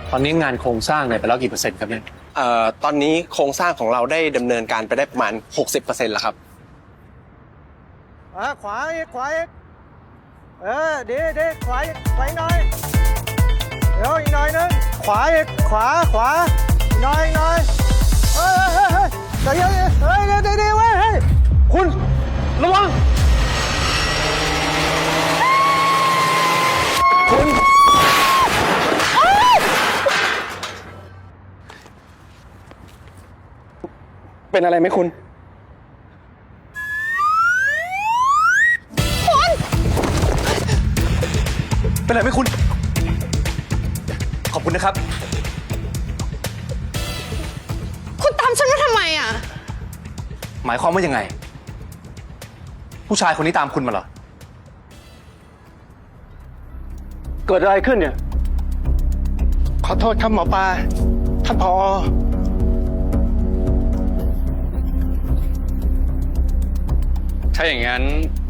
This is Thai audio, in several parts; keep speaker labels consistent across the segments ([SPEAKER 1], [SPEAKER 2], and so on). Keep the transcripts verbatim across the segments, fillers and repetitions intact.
[SPEAKER 1] ตอนนี้งานโครงสร้างเนี่ยไปแล้วกี่เปอร์เซ็นต์ครับเนี่ย
[SPEAKER 2] เอ่อตอนนี้โครงสร้างของเราได้ดำเนินการไปได้ประมาณ หกสิบเปอร์เซ็นต์ แล้วครับ
[SPEAKER 3] อ่ะขวาอีกขวาอีกเออดีดีขวาอีกขวาอีกหน่อยเดี๋ยวอีกหน่อยนึงขวาอีกขวาขวาอีกหน่อยอีกหน่อยเฮ้ยเฮ้ยเฮ้ยใจเย็นเฮ้ยดีดีดีเว้ยเฮ้ยคุณระวังคุณเป็นอะไรไหมคุณ
[SPEAKER 1] เป็นไรไหมคุณขอบคุณนะครับ
[SPEAKER 4] คุณตามฉันมาทำไมอ่ะ
[SPEAKER 1] หมายความว่ายังไงผู้ชายคนนี้ตามคุณมาเหรอ
[SPEAKER 3] เกิดอะไรขึ้นเนี่ยขอโทษครับหมอปลาท่านผอ.
[SPEAKER 5] ถ้าอย่างนั้น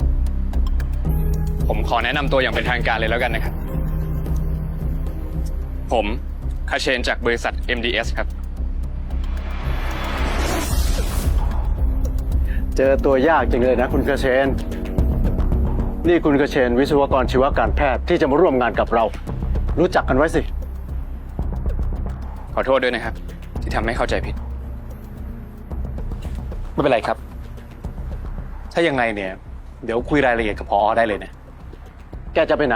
[SPEAKER 5] ผมขอแนะนำตัวอย่างเป็นทางการเลยแล้วกันนะครับผมคาเชนจากบริษัท เอ็ม ดี เอส ครับ
[SPEAKER 3] เจอตัวยากจริงเลยนะคุณกระเชนนี่คุณกระเชนวิศวกรชีวการแพทย์ที่จะมาร่วมงานกับเรารู้จักกันไว้สิ
[SPEAKER 5] ขอโทษด้วยนะครับที่ทำให้เข้าใจผิด
[SPEAKER 1] ไม่เป็นไรครับถ้ายังไงเนี่ยเดี๋ยวคุยรายละเอียดกับพอได้เลยนะ
[SPEAKER 3] แกจะไปไหน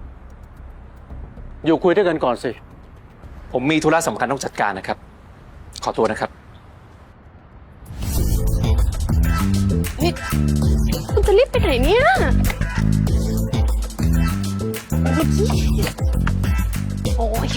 [SPEAKER 3] อยู่คุยด้วยกันก่อนสิ
[SPEAKER 1] ผมมีธุระสำคัญต้องจัดการนะครับขอตัวนะครับ
[SPEAKER 4] นี่คุณจะรีบไปไหนเนี่ยโอ้ย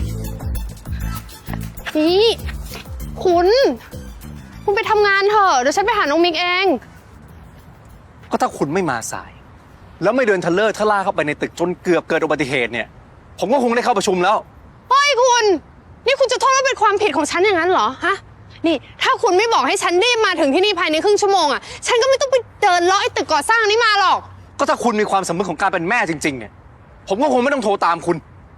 [SPEAKER 4] นี่คุณคุณไปทำงานเถอะเดี๋ยวฉันไปหาน้องมิกเอง
[SPEAKER 1] ก็ถ้าคุณไม่มาสายแล้วไม่เดินทะเลอร์ทะล่าเข้าไปในตึกจนเกือบเกิดอุบัติเหตุเนี่ยผมก็คงได้เข้าประชุมแล้ว
[SPEAKER 4] เฮ้ยคุณนี่คุณจะโทษว่าเป็นความผิดของฉันอย่างนั้นเหรอฮะนี่ถ้าคุณไม่บอกให้ฉันรีบมาถึงที่นี่ภายในครึ่งชั่วโมงอ่ะฉันก็ไม่ต้องไปเดินเลาะไอ้ตึกก่อสร้างนี้มาหรอก
[SPEAKER 1] ก็ถ้าคุณมีความสำนึกของการเป็นแม่จริงๆเนี่ยผมก็คงไม่ต้องโทรตามคุณ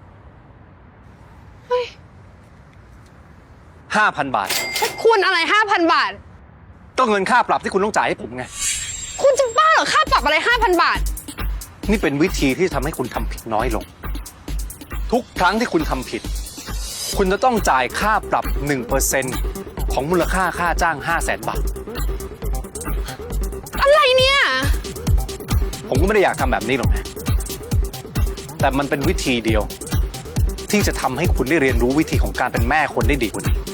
[SPEAKER 1] ห้าพันบาท
[SPEAKER 4] คุณอะไรห้าพันบาท
[SPEAKER 1] ก็เงินค่าปรับที่คุณต้องจ่ายให้ผมไง
[SPEAKER 4] คุณจะบ้าเหรอค่าปรับอะไรห้าพันบาท
[SPEAKER 1] นี่เป็นวิธีที่ทำให้คุณทำผิดน้อยลงทุกครั้งที่คุณทำผิดคุณจะต้องจ่ายค่าปรับ หนึ่งเปอร์เซ็นต์ ของมูลค่าค่าจ้าง ห้าแสน บาท
[SPEAKER 4] อะไรเนี่ย
[SPEAKER 1] ผมก็ไม่ได้อยากทำแบบนี้หรอกนะแต่มันเป็นวิธีเดียวที่จะทำให้คุณได้เรียนรู้วิธีของการเป็นแม่คนได้ดีกว่านี้